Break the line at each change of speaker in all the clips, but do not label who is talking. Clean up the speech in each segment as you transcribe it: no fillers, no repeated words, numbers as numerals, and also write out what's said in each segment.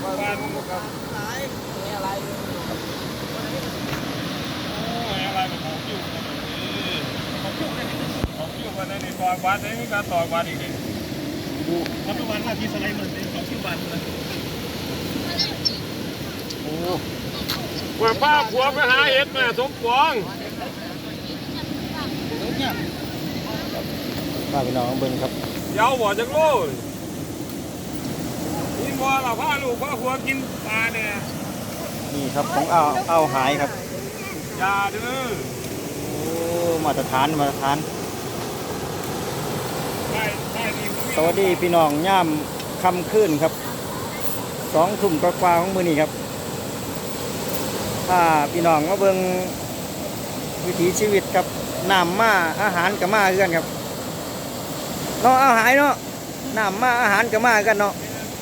บ้านครับอะไรอะไรแบบของคิวของคิววันนี้ต่อบ้านนี้มีการต่อบ้านอีกเลยปัจจุบันว่าที่สไลด์มันเป็นของคิวบ้านเลยโอ้ว่าป้าผัวไปหาเห็ดแม่สมปอง
ป้าพี่น้องเบิ้งครับ
ยาวบ่จังโลดนี่บ่เราพาลูกพาผัวกินปลาเนี่ย
นี่ครับของเอาหายครับ
ยาเด้อ
โอ้มาตรฐานสวัสดีพี่น้องย่ามค่ำคืนครับ2 ทุ่มกว่าของมื้อนี้ครับถ้าพี่น้องมาเบิ่งวิถีชีวิตครับน้ำมาอาหารกับมาคือกันครับเนาะเอาหายเนาะน้ำมาอาหารกับมากันเนาะ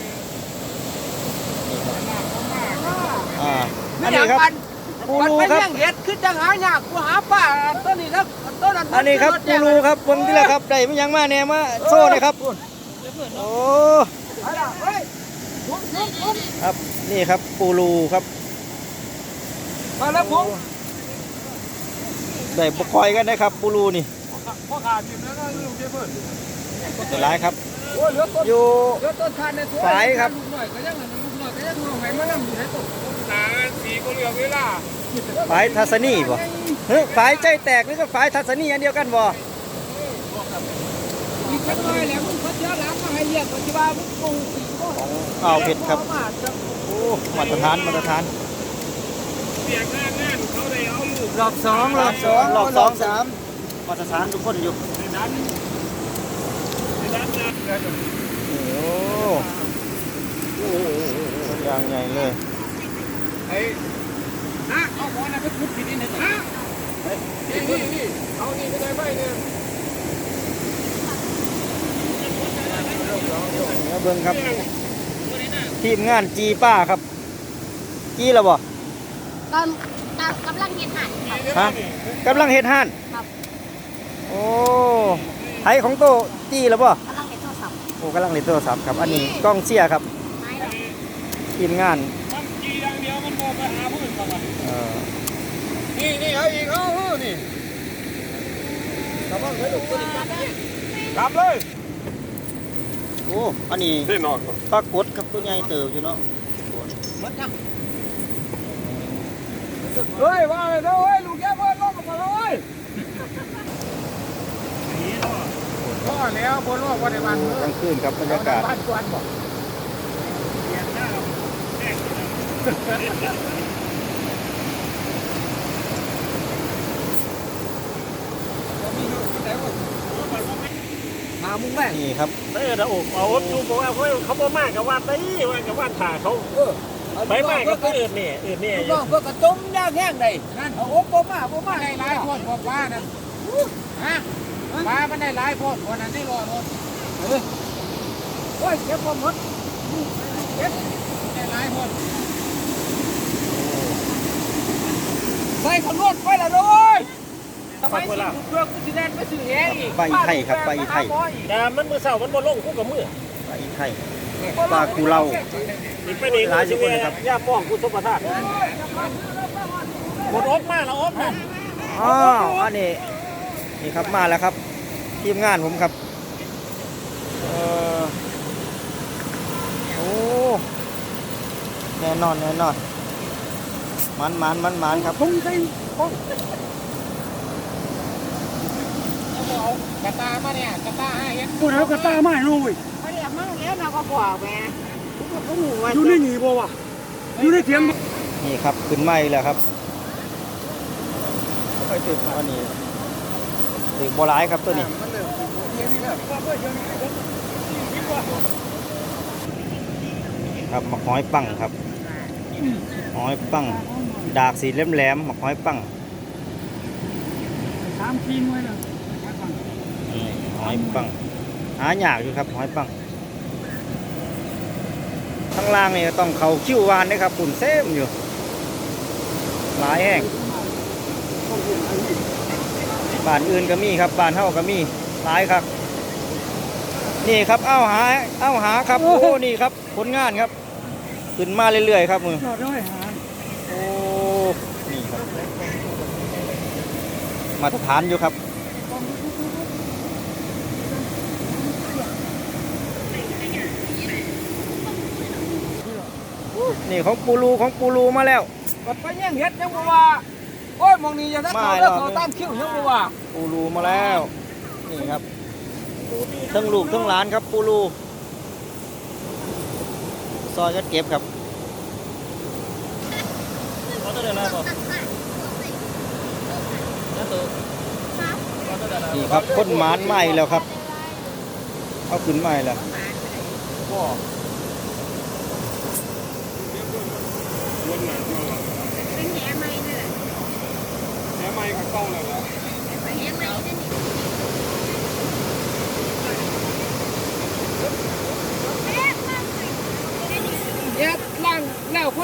อันนี้ครับปูรูครับ
เห็ดขึ้นจังหายากกูหาป้าต้นนี้ครับต้นนั้น
อันนี้ครับปูรูครับเบิ่งที่ละครับได้ไม่ยังมาแน่มาโซ่เลยครับโอ้ครับนี่ครับปูรูครับ
มาแล้วผม
ได้ปล่อยกันนะครับปูรูนี่
พ่อขาดอยู่แล้วก็ลูกเจ้าเพิ่น
เป็นไรครับอยู่ฝายครับ
หนาสีก็เหลืองเวลา
ฝายทัศนีบ่เฮ้ยฝายใจแตกนี่ก็ฝายทัศนีอันเดียวกันบ่
อีกสักหน่อยแล้วมึงเขาเจอหลังมาให้เรียกปัจจุบันมึงกู
เอาเผ็ดครับโอ้มาตรฐาน
เสียงงานเขาได้เอาลูก
รอบ2
3มาตรฐานทุกคนอยู่
ในนั้นนะ
โอ้อย่างใหญ่เลย
ไอ้นะเอาหัวน่ะไปขุดผิดนิดนึงนะนี่เอานี่ไม่ได้ไหมเนี่ย
เบิ่งครับทีมงานจีป้าครับจีแล้วบ่
กำลังเห็ดหั่น
ฮะกำลังเฮ็ดห่านโอ้ไผของโตจีแล้วบ่
กำลังเห็ดโทรศัพท์
โอ้กำลังเล่นโทรศัพท์ครับอันนี้กล้องเชียร์ครับทีมงาน
มันจีอย่างเดียวมันโมไปหาผู้อื่นก่อนนี่เอาอีกเอานี่กลับบ้านเลยลูกกลับเลย
โอ้อันนี้ปลากดครับตัวใหญ่เติบอยู่เนาะ
เฮ้ยว่าเลยเฮ้ยลูกแก้วเพิ่นลงมาเลยพ่อแล้วบนโลกวันในวัน
กลางคืนครับบรรยากาศ
บ้านกวนบอก
มามุ้งแม่
นี่ครับ
เออเอาดูบอกว่าเขาบ่มากกับว่าได้ว่ากับว่าถ่าเขาไปมากกับอื่นนี่
น้องเพื่อกระตุ้มยากแห้งได้นั่นเอาอบบ่มา
ได้หลายคนบอกว่านั่นฮะปลามันได้หลายคนวันนั้นได้รอรถ
โอ้ยเก็บความหมดเก็บ
ได้หลายคน
ใส่ขนวดไปละด้วยทำไมสิเพื่อกูสิแดนไปซื้อเองอีก
ใบไทยครับใบไทย
แต่มันมือเสามันบ่ลงคู่กับมือ
ใบไทยปลากูเล่า
ไปนี่หลายสิบคนครับย่าป้องกูสมบัติหมดอบมาแล้วอบนะ
อ๋ออันนี้นี่ครับมาแล้วครับทีมงานผมครับโอ้แน่นอนมันครับ
พุ่งใส่
กระตามาเนี่ยกระตาให้เห็น
กูแล้วกระตาไม่รู้เว้ย
ไม่ได้มั่งแล้วเราก็บอกแม่
อยู่ในหนีบ่วะอยู่ในเถียง
นี่ครับขึ้นไม้แล้วครับไปตึกอันนี้ตึกโบราณครับตัวนี้ครับหมักหอยปังครับหอยปังดากสีแหลมหมักหอยปัง
3 ปีไว้แล้ว
หอยปังหายากอยู่ครับหอยปังข้างล่างนี่ต้องเขาคิ้ววานนะครับปุ่นเซมอยู่หลายแห่งบ้านอื่นก็มีครับบ้านเฮาก็มีหลายครับนี่ครับเอาหาครับโอ้นี่ครับผลงานครับขึ้นมาเรื่อยๆครับมือ
จอดด้วยหา
โอ้นี่ครับมาตรฐานอยู่ครับนี่ของปูรูมาแล้ว
กดไปยังเฮ็ดยังบ่ว่าโอ้ยมองนี่อย่าทักเขาแล้วเขาตามคิวยังบ่ว่า
ปูรูมาแล้วนี่ครับทั้งลูกทั้งหลานครับปูรูซอยกันเก็บครับนี่ครับพ่นหมานไหม้แล้วครับเอาขึ้นไหม้แล้ว
เป็นแหไม้นี่แหละ
แหไม้กับกล้องเลยแล้ว
แหไม้นี่นี่
เฮ็ดล่างแล้ว